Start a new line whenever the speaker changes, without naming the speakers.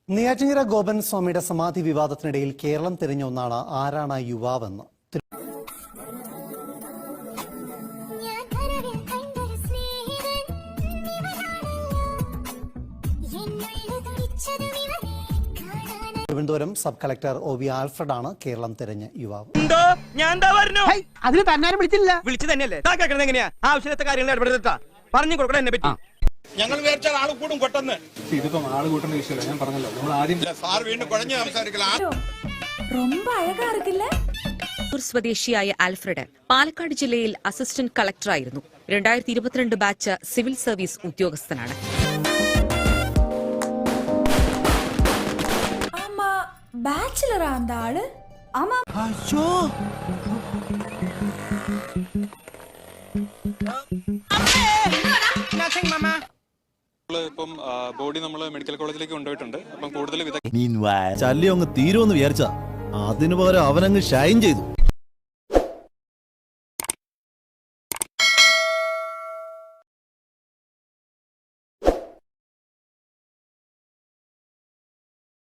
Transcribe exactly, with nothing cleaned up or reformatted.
നെയ്യാറ്റിൻകര ഗോപൻ സ്വാമിയുടെ സമാധി വിവാദത്തിനിടയിൽ കേരളം തിരിഞ്ഞ ഒന്നാണ് ആരാണ് യുവാവെന്ന്. Thiruvananthapuram sub collector O V Alfred ആണ് കേരളം തിരഞ്ഞ യുവാവ്.
അതിന് തന്നാരും വിളിച്ചില്ല.
വിളിച്ചു തന്നെയല്ലേ എങ്ങനെയാ ആവശ്യത്തെ കാര്യങ്ങൾ ഇടപെടുത്താ പറഞ്ഞു കൊടുക്കണം എന്നെ പറ്റി.
ഞങ്ങൾ വിചാരിച്ചാൽ ആൾ കൂടും കൊട്ടെന്ന്.
ഇതിപ്പം ആള് കൂട്ടുന്ന വിഷയമല്ല, ഞാൻ പറഞ്ഞല്ലോ. നമ്മൾ ആദ്യം
സാർ വീണ്ടും കുഴഞ്ഞു സംസാരിക്കണം.
സ്വദേശിയായ ആൽഫ്രഡ് പാലക്കാട് ജില്ലയിൽ അസിസ്റ്റന്റ് കളക്ടറായിരുന്നു. രണ്ടായിരത്തി ഇരുപത്തിരണ്ട് ബാച്ച് സിവിൽ സർവീസ് ഉദ്യോഗസ്ഥനാണ്.
ബാച്ചിലറാ அந்த ஆளு. ஆமா.
അയ്യോ.
ഇപ്പം ബോഡി നമ്മൾ മെഡിക്കൽ കോളേജിലേക്ക് കൊണ്ടുപോയിട്ടുണ്ട്. അപ്പം കൂടുതൽ
ചല്ലി അങ്ങ് തീരുമെന്ന് വിചാരിച്ചാ അതിനു പകരം അവനങ്ങ് ഷൈൻ ചെയ്തു.